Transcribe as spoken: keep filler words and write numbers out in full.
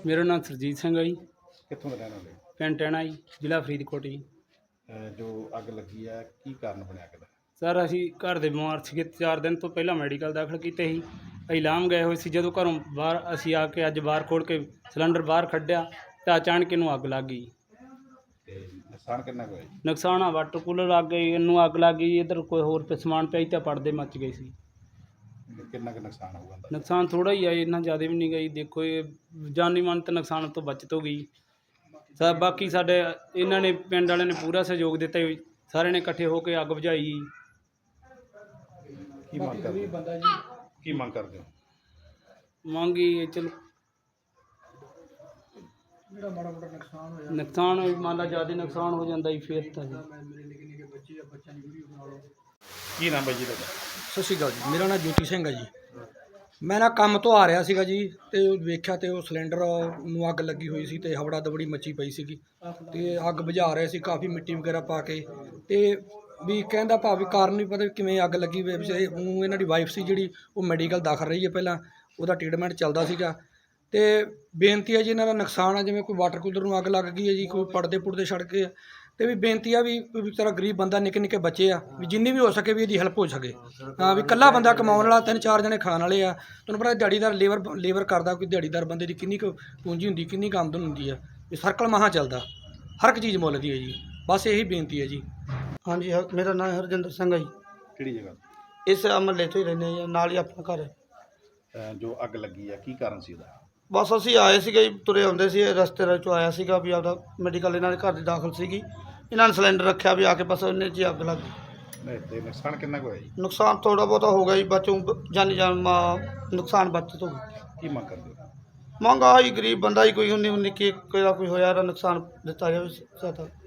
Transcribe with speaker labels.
Speaker 1: ਮੇਰਾ ਨਾਮ ਸਰਜੀਤ ਸਿੰਘ ਹੈ ਜੀ।
Speaker 2: ਕਿੱਥੋਂ ਦੇ ਰਹਿਣ ਵਾਲੇ?
Speaker 1: ਪਿੰਡ ਟਹਿਣਾ ਜੀ, ਜ਼ਿਲ੍ਹਾ ਫਰੀਦਕੋਟ ਜੀ।
Speaker 2: ਅਹ ਜੋ ਅੱਗ ਲੱਗੀ ਹੈ ਕੀ ਕਾਰਨ ਬਣਿਆ ਅੱਗ ਦਾ?
Speaker 1: ਸਰ ਅਸੀਂ ਘਰ ਦੇ ਬਿਮਾਰ ਸੀਗੇ, ਚਾਰ ਦਿਨ ਤੋਂ ਪਹਿਲਾਂ ਮੈਡੀਕਲ ਦਾਖਲ ਕੀਤੇ ਸੀ। ਅਸੀਂ ਲਾਮ ਗਏ ਹੋਏ ਸੀ, ਜਦੋਂ ਘਰੋਂ ਬਾਹਰ ਅਸੀਂ ਆ ਕੇ ਅੱਜ ਬਾਹਰ ਖੋਲ੍ਹ ਕੇ ਸਿਲੰਡਰ ਬਾਹਰ ਕੱਢਿਆ ਤਾਂ ਅਚਾਨਕ ਇਹਨੂੰ ਅੱਗ ਲੱਗ ਗਈ।
Speaker 2: ਤੇ ਨੁਕਸਾਨ ਕਿੰਨਾ ਕੁ ਹੋਇਆ ਜੀ?
Speaker 1: ਨੁਕਸਾਨ ਆ ਵਾਟਰ ਕੂਲਰ ਲੱਗ ਗਈ, ਇਹਨੂੰ ਅੱਗ ਲੱਗ ਗਈ। ਇੱਧਰ ਕੋਈ ਹੋਰ ਤੇ ਸਮਾਨ ਪਿਆ ਸੀ ਤਾਂ ਪੜਦੇ ਮੱਚ ਗਏ ਸੀ।
Speaker 2: ਤੇ ਕਿੰਨਾ ਕੁ ਨੁਕਸਾਨ ਹੋਊਗਾ ਅੰਦਾਜ਼ਾ?
Speaker 1: ਨੁਕਸਾਨ ਥੋੜ੍ਹਾ ਹੀ ਆ, ਇੰਨਾ ਜ਼ਿਆਦਾ ਵੀ ਨਹੀਂ ਗਈ। ਦੇਖੋ ਇਹ ਜਾਨੀ ਮਾਨ ਤੇ ਨੁਕਸਾਨ ਤੋਂ ਬਚਤ ਹੋ ਗਈ। ਸਾ ਬਾਕੀ ਸਾਡੇ ਇਹਨਾਂ ਨੇ ਪਿੰਡ ਵਾਲਿਆਂ ਨੇ ਪੂਰਾ ਸਹਿਯੋਗ ਦਿੱਤਾ ਜੀ। ਸਾਰਿਆਂ ਨੇ ਇਕੱਠੇ ਹੋ ਕੇ ਅੱਗ ਬੁਝਾਈ।
Speaker 2: ਕੀ ਮੰਗ ਕਰਦੇ ਹੋ? ਕੀ ਮੰਗ ਕਰਦੇ ਹੋ?
Speaker 1: ਮੰਗੀ ਚਲੋ
Speaker 3: ਜਿਹੜਾ ਮਾੜਾ ਮੋਟਾ ਨੁਕਸਾਨ ਹੋਇਆ
Speaker 1: ਨੁਕਸਾਨ ਹੋਈ, ਮੰਨ ਲਾ ਜ਼ਿਆਦਾ ਨੁਕਸਾਨ ਹੋ ਜਾਂਦਾ ਜੀ ਫਿਰ ਤਾਂ ਜੀ।
Speaker 3: ਮੇਰੇ ਨਿੱਕੇ ਨਿੱਕੇ ਬੱਚੇ ਆ, ਬੱਚਿਆਂ ਦੀ ਵੀਡੀਓ ਬਣਾ ਲਓ।
Speaker 2: ਕੀ ਨਾਮ ਹੈ ਜੀ ਤੁਹਾਡਾ?
Speaker 3: ਸਤਿ ਸ਼੍ਰੀ ਅਕਾਲ ਜੀ, ਮੇਰਾ ਨਾਮ ਜੋਤੀ ਸਿੰਘ ਹੈ ਜੀ। ਮੈਂ ਨਾ ਕੰਮ ਤੋਂ ਆ ਰਿਹਾ ਸੀਗਾ ਜੀ, ਤੇ ਵੇਖਿਆ ਤੇ ਉਹ ਸਿਲੰਡਰ ਨੂੰ ਅੱਗ ਲੱਗੀ ਹੋਈ ਸੀ ਤੇ ਹਵੜਾ ਦਵੜੀ ਮੱਚੀ ਪਈ ਸੀਗੀ ਤੇ ਅੱਗ ਬੁਝਾ ਰਹੇ ਸੀ ਕਾਫੀ ਮਿੱਟੀ ਵਗੈਰਾ ਪਾ ਕੇ। ਤੇ ਵੀ ਕਹਿੰਦਾ ਭਾਵੇਂ ਕਾਰਨ ਨਹੀਂ ਪਤਾ ਕਿਵੇਂ ਅੱਗ ਲੱਗੀ। ਵੇ ਉਹ ਇਹਨਾਂ ਦੀ ਵਾਈਫ ਸੀ ਜਿਹੜੀ, ਉਹ ਮੈਡੀਕਲ ਦਾਖਲ ਰਹੀ ਹੈ, ਪਹਿਲਾਂ ਉਹਦਾ ਟ੍ਰੀਟਮੈਂਟ ਚੱਲਦਾ ਸੀਗਾ। ਤੇ ਬੇਨਤੀ ਹੈ ਜੀ, ਇਹਨਾਂ ਦਾ ਨੁਕਸਾਨ ਆ, ਜਿਵੇਂ ਕੋਈ ਵਾਟਰ ਕੂਲਰ ਨੂੰ ਅੱਗ ਲੱਗ ਗਈ ਹੈ ਜੀ, ਕੋਈ ਪਰਦੇ ਪੁਰਦੇ ਸੜ ਗਏ ਆ। ਤੇ ਵੀ ਬੇਨਤੀ ਆ ਵੀ ਵਿਚਾਰਾ ਗਰੀਬ ਬੰਦਾ, ਨਿੱਕੇ ਨਿੱਕੇ ਬੱਚੇ ਆ, ਵੀ ਜਿੰਨੀ ਵੀ ਹੋ ਸਕੇ ਵੀ ਇਹਦੀ ਹੈਲਪ ਹੋ ਸਕੇ। ਹਾਂ ਵੀ ਇਕੱਲਾ ਬੰਦਾ ਕਮਾਉਣ ਵਾਲਾ, ਤਿੰਨ ਚਾਰ ਜਣੇ ਖਾਣ ਵਾਲੇ ਆ। ਤੁਹਾਨੂੰ ਪਤਾ ਦਿਹਾੜੀਦਾਰ ਲੇਬਰ ਲੇਬਰ ਕਰਦਾ, ਕੋਈ ਦਿਹਾੜੀਦਾਰ ਬੰਦੇ ਦੀ ਕਿੰਨੀ ਕੁ ਪੂੰਜੀ ਹੁੰਦੀ, ਕਿੰਨੀ ਕੁ ਆਮਦਨ ਹੁੰਦੀ ਆ। ਵੀ ਸਰਕਲ ਮਹਾਂ ਚੱਲਦਾ, ਹਰ ਇੱਕ ਚੀਜ਼ ਮੁੱਲ ਦੀ ਹੈ ਜੀ। ਬਸ ਇਹੀ ਬੇਨਤੀ ਹੈ ਜੀ।
Speaker 4: ਹਾਂਜੀ, ਹ- ਮੇਰਾ ਨਾਮ ਹਰਜਿੰਦਰ ਸਿੰਘ ਹੈ ਜੀ।
Speaker 2: ਕਿਹੜੀ ਜਗ੍ਹਾ?
Speaker 4: ਇਸ ਮਹੱਲੇ 'ਚ ਹੀ ਰਹਿੰਦੇ ਹਾਂ ਜੀ, ਨਾਲ ਹੀ ਆਪਣਾ ਘਰ ਹੈ।
Speaker 2: ਅਹ ਜੋ ਅੱਗ ਲੱਗੀ ਹੈ ਕੀ ਕਾਰਨ ਸੀ ਉਹਦਾ?
Speaker 4: ਬਸ ਅਸੀਂ ਆਏ ਸੀਗੇ ਜੀ, ਤੁਰੇ ਆਉਂਦੇ ਸੀ, ਰਸਤੇ ਦੇ ਵਿੱਚੋਂ ਆਇਆ ਸੀਗਾ ਵੀ ਆਪਦਾ ਮੈਡੀਕਲ ਇਹਨਾਂ ਦੇ ਘਰ ਦੀ ਦਾਖਲ ਸੀਗੀ। ਇਹਨਾਂ ਨੇ ਸਿਲੰਡਰ ਰੱਖਿਆ ਵੀ ਆ ਕੇ, ਬਸ ਉਹਨੇ 'ਚ ਹੀ ਅੱਗ ਲੱਗ ਗਈ।
Speaker 2: ਨਹੀਂ ਤੇ ਨੁਕਸਾਨ ਕਿੰਨਾ ਕੁ ਹੋਇਆ ਜੀ?
Speaker 4: ਨੁਕਸਾਨ ਥੋੜ੍ਹਾ ਬਹੁਤਾ ਹੋ ਗਿਆ ਜੀ, ਬਚੋਂ ਜਾਨੀ ਜਾਨ ਮਾ- ਨੁਕਸਾਨ ਬਚਤ ਹੋ ਗਈ।
Speaker 2: ਕੀ ਮੰਗ ਕਰਦੇ ਹੋ?
Speaker 4: ਮੰਗ ਆਹ ਹੀ, ਗਰੀਬ ਬੰਦਾ ਹੀ ਕੋਈ ਉਨੀ ਉਨੀ ਕੀ ਕੋਈ ਦਾ ਕੋਈ ਹੋਇਆ, ਇਹਦਾ ਨੁਕਸਾਨ ਦਿੱਤਾ ਜਾਵੇ ਸਹਾਇਤਾ।